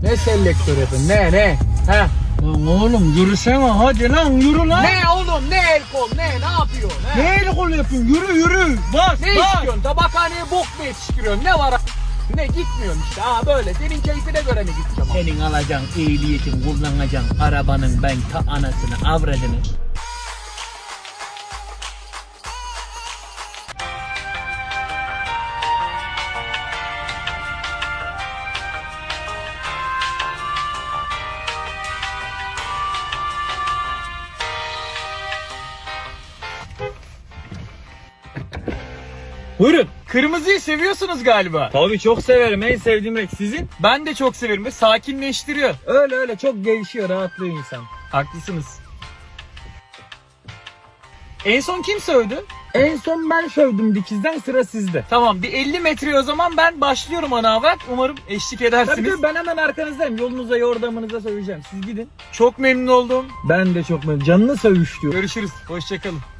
Ne selektör yapın? Ne? He? Lan oğlum yürüsene hadi lan yürü lan. Ne oğlum? Ne el kol? Ne yapıyorsun? He? Ne el kol yapıyorsun? Yürü. Bas Ne bas. istiyorsun? Tabakhaneye bok mu yetiştiriyorsun? Ne var? Ne gitmiyorsun işte ha böyle. Senin keyfine göre mi gideceğim? Senin alacağın ehliyetin kullanacaksın arabanın ben ta anasını avradını. Buyurun. Kırmızıyı seviyorsunuz galiba. Tabii çok severim. En sevdiğim renk sizin. Ben de çok severim ve sakinleştiriyor. Öyle çok gevşiyor, rahatlıyor insan. Haklısınız. En son kim sövdü? En son ben sövdüm dikizden, sıra sizde. Tamam bir 50 metre o zaman ben başlıyorum ana avrat. Umarım eşlik edersiniz. Tabii ben hemen arkanızdayım. Yolunuza yordamınıza söveceğim. Siz gidin. Çok memnun oldum. Ben de çok memnun. Canını sövüş diyor. Görüşürüz. Hoşçakalın.